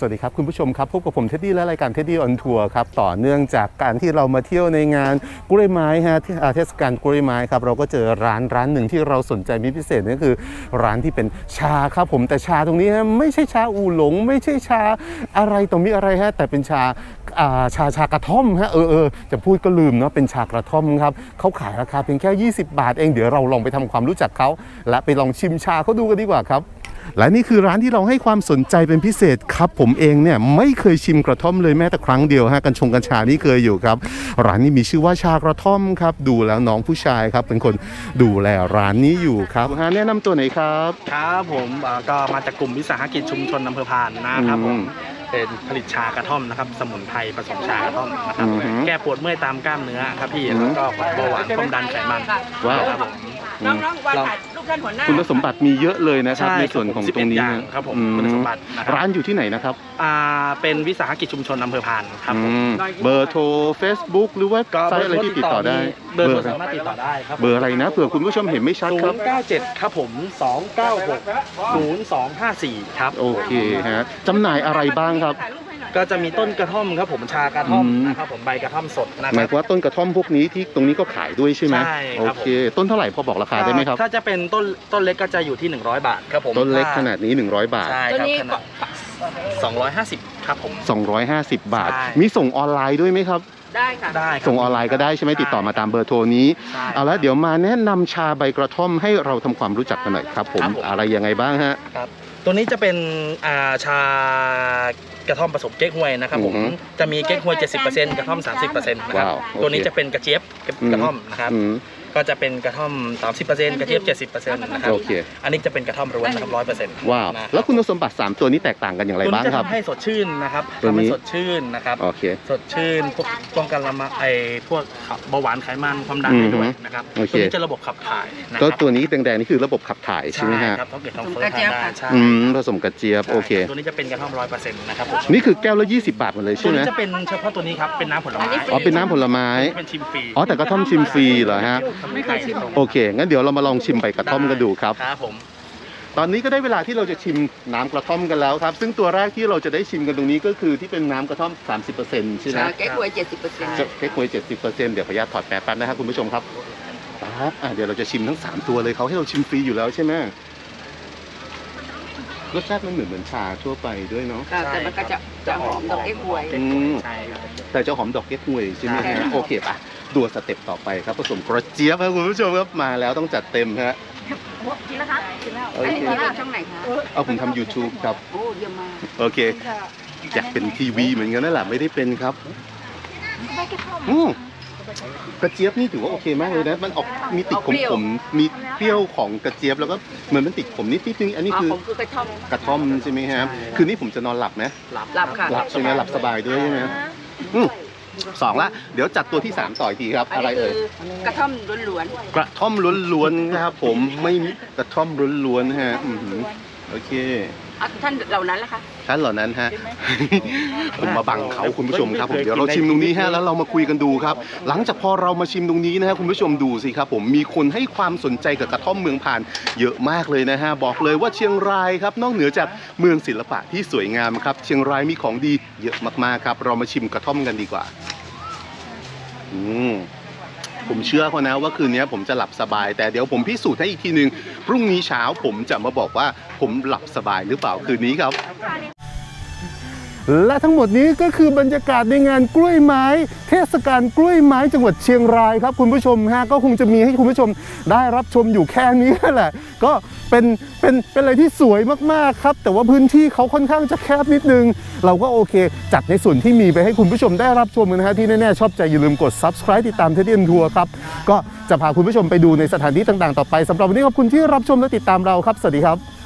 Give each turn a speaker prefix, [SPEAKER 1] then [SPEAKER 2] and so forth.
[SPEAKER 1] สวัสดีครับคุณผู้ชมครับพบกับผมเท็ดดี้และรายการเท็ดดี้ออนทัวร์ครับต่อเนื่องจากการที่เรามาเที่ยวในงานกล้วยไม้ฮะเทศกาลกล้วยไม้ครับเราก็เจอร้านหนึ่งที่เราสนใจมีพิเศษนั่นคือร้านที่เป็นชาครับผมแต่ชาตรงนี้ฮะไม่ใช่ชาอู่หลงไม่ใช่ชาอะไรตรงนี้อะไรฮะแต่เป็นชากระท่อมฮะจะพูดก็ลืมเนาะเป็นชากระท่อมครับเขาขายราคาเพียงแค่20 บาทเองเดี๋ยวเราลองไปทำความรู้จักเขาและไปลองชิมชาเขาดูกันดีกว่าครับและนี่คือร้านที่เราให้ความสนใจเป็นพิเศษครับผมเองเนี่ยไม่เคยชิมกระท่อมเลยแม้แต่ครั้งเดียวฮะกัญชานี่เคยอยู่ครับร้านนี้มีชื่อว่าชากระท่อมครับดูแล้วน้องผู้ชายครับเป็นคนดูแลร้านนี้อยู่ครับแนะนำตัวไหนครับ
[SPEAKER 2] ครับผมก็มาจากกลุ่มวิสาหกิจชุมชนอำเภอพานนะครับผมเป็นผลิตชากระท่อมนะครับสมุนไพรผสมชากระท่อมนะครับแก้ปวดเมื่อยตามกล้ามเนื้อครับพี่แล้วก็เบาหวานความดันไขมัน
[SPEAKER 1] ว้าว
[SPEAKER 2] ครับผม
[SPEAKER 3] น้องๆวางถ่ายรูปท่านหัวหน้า
[SPEAKER 1] คุณสมบัติมีเยอะเลยนะครับในส่วนของตรงนี้
[SPEAKER 2] ครับผมคุณสมบัติ
[SPEAKER 1] ร้านอยู่ที่ไหนนะครับ
[SPEAKER 2] เป็นวิสาหกิจชุมชนอำเภอพานครับ
[SPEAKER 1] เบอร์โทร Facebook หรือว่าไซต์อะไรที่ติดต่อได้
[SPEAKER 2] เบอร์สามารถติดต่อได้ครับ
[SPEAKER 1] เบอร์อะไรนะเผื่อคุณผู้ชมเห็นไม่ชัดครับ
[SPEAKER 2] 097ครับผม2960254ครับ
[SPEAKER 1] โอเคฮะจำหน่ายอะไรบ้างครับ
[SPEAKER 2] ก็จะมีต้นกระท่อมครับผมชากระท่อมนะครับผมใบกระท่อมสดนะครับ
[SPEAKER 1] หมายความว่าต้นกระท่อมพวกนี้ที่ตรงนี้ก็ขายด้วยใช่ไหม
[SPEAKER 2] ใช่
[SPEAKER 1] โอเคต้นเท่าไหร่พอบอกราคาได้ไหมครับ
[SPEAKER 2] ถ้าจะเป็นต้นเล็กก็จะอยู่ที่100 บาทครับผม
[SPEAKER 1] ต้นเล็กขนาดนี้100 บาท
[SPEAKER 2] ใช่ครับขนาด250ครับผม
[SPEAKER 1] 250 บาทมีส่งออนไลน์ด้วยไหมครับ
[SPEAKER 3] ได้ค่ะ
[SPEAKER 2] ได้
[SPEAKER 1] ส่งออนไลน์ก็ได้ใช่ไหมติดต่อมาตามเบอร์โทรนี้เอาละเดี๋ยวมาแนะนำชาใบกระท่อมให้เราทำความรู้จักกันหน่อยครับผมอะไรยังไงบ้างฮะ
[SPEAKER 2] ครับตัวนี้จะเป็นชากระท่อมผสมเก๊กฮวยนะครับผมจะมีเก๊กฮวย 70% กระท่อม 30% นะครับตัวนี้จะเป็นกระเจี๊ยบกระท่อมนะครับก็จะเป็นกระท่อม 30% กระเจี๊ยบ 70% นะครับอันนี้จะเป็นกระท่อมล้วนนะครับ 100%
[SPEAKER 1] ว้าวแล้วคุณสมบัติ3ตัวนี้แตกต่างกันอย่างไรบ้างครับ
[SPEAKER 2] ตัวนี้จะทำให้สดชื่นนะครับทำให้สดชื่นนะครับสดชื่นป้องกันพวกเบาหวานไขมันความดันด้วยนะครับตัวนี้จะระบบขับถ่าย
[SPEAKER 1] ก็ตัวนี้แดงๆนี่คือระบบขับถ่ายใช่ไหมฮะ
[SPEAKER 2] ครับท้องเกิดท้องเฟ้อทานได้ใช่
[SPEAKER 1] ผสมกระเจี๊ยบโอเค
[SPEAKER 2] ตัวนี้จะเป็นกระท่อม 100% นะครับ
[SPEAKER 1] นี่คือแก้วละ20 บาทหมดเลยใช่ไหม
[SPEAKER 2] ตัวนี้จะเป็นเฉพาะตัวนี้ครับเป็นน้ำผลไม้
[SPEAKER 1] เป็นน้ำผลไม้
[SPEAKER 2] เป็นชิมฟรี
[SPEAKER 1] แต่กระท่อมชิมฟรีเหรอฮะโอเคงั้นเดี๋ยวเรามาลองชิมใบกระท่อมกันดูครับ
[SPEAKER 2] ครับผม
[SPEAKER 1] ตอนนี้ก็ได้เวลาที่เราจะชิมน้ำกระท่อมกันแล้วครับซึ่งตัวแรกที่เราจะได้ชิมกันตรงนี้ก็คือที่เป็นน้ำกระท่อม 30% ใช่ไหม
[SPEAKER 3] เก๊กฮวย 70%
[SPEAKER 1] เก๊กฮวย 70% เดี๋ยวขออนุญาตถอดแป๊บนะครับคุณผู้ชมครับเดี๋ยวเราจะชิมทั้ง3ตัวเลยเขาให้เราชิมฟรีอยู่แล้วใช่ไหมรสชาติมันเหมือนชาทั่วไปด้วยเนาะ
[SPEAKER 3] แต่มันก็จะหอมดอกเก๊กฮวย
[SPEAKER 1] แต่จะหอมดอกเก๊กฮวยใช่ไหมฮะโอเคป่ะตัวสเต็ปต่อไปครับผสมกระเจี๊ยบครับคุณผู้ชมครับมาแล้วต้องจัดเต็มฮะ
[SPEAKER 3] กินแล้วคะกินแล้วอันนี้เป็นช่องไหนคะ
[SPEAKER 1] ผมทำ YouTube ครับ
[SPEAKER 3] โอ้เยี่ยมมาก
[SPEAKER 1] โอเคอยากเป็นทีวีเหมือนกันนั่นแหละไม่ได้เป็นครับกระเจี๊ยบนี่ถือว่าโอเคมากเลยนะมันออกมีติดขมมีเปรี้ยวของกระเจี๊ยบแล้วก็เหมือนมันติดขมนิดนึงอันนี้คื
[SPEAKER 3] อก
[SPEAKER 1] ระท่อมใช่ไหมครับคืนนี้ผมจะนอนหลับไหม
[SPEAKER 3] หลับค่ะ
[SPEAKER 1] หลับใช่ไหมหลับสบายด้วยใช่ไหม2ละเดี๋ยวจัดตัวที่3ต่ออีกทีครับอะไรเอ่ย
[SPEAKER 3] กระท่อมล้วน
[SPEAKER 1] กระท่อมล้วนๆนะครับผมไม่กระท่อมล้วนๆฮะโอเค
[SPEAKER 3] ท่านเหล่านั้นล่ะคะ
[SPEAKER 1] ท่านเหล่านั้นฮะผมมาบังเขาคุณผู้ชมครับผมเดี๋ยวเราชิมตรงนี้ฮะแล้วเรามาคุยกันดูครับหลังจากพอเรามาชิมตรงนี้นะฮะคุณผู้ชมดูสิครับผมมีคนให้ความสนใจกับกระท่อมเมืองพานเยอะมากเลยนะฮะบอกเลยว่าเชียงรายครับนอกเหนือจากเมืองศิลปะที่สวยงามครับเชียงรายมีของดีเยอะมากๆครับเรามาชิมกระท่อมกันดีกว่าผมเชื่อเขานะว่าคืนนี้ผมจะหลับสบายแต่เดี๋ยวผมพิสูจน์ให้อีกทีนึงพรุ่งนี้เช้าผมจะมาบอกว่าผมหลับสบายหรือเปล่าคืนนี้ครับและทั้งหมดนี้ก็คือบรรยากาศในงานกล้วยไม้เทศกาลกล้วยไม้จังหวัดเชียงรายครับคุณผู้ชมฮะก็คงจะมีให้คุณผู้ชมได้รับชมอยู่แค่นี้แหละก็เป็นอะไรที่สวยมากๆครับแต่ว่าพื้นที่เขาค่อนข้างจะแคบนิดนึงเราก็โอเคจัดในส่วนที่มีไปให้คุณผู้ชมได้รับชมนะฮะที่แน่ๆชอบใจอย่าลืมกด Subscribe ติดตามเท็ดดี้ทัวร์ครับก็จะพาคุณผู้ชมไปดูในสถานที่ต่างๆต่อไปสำหรับวันนี้ขอบคุณที่รับชมและติดตามเราครับสวัสดีครับ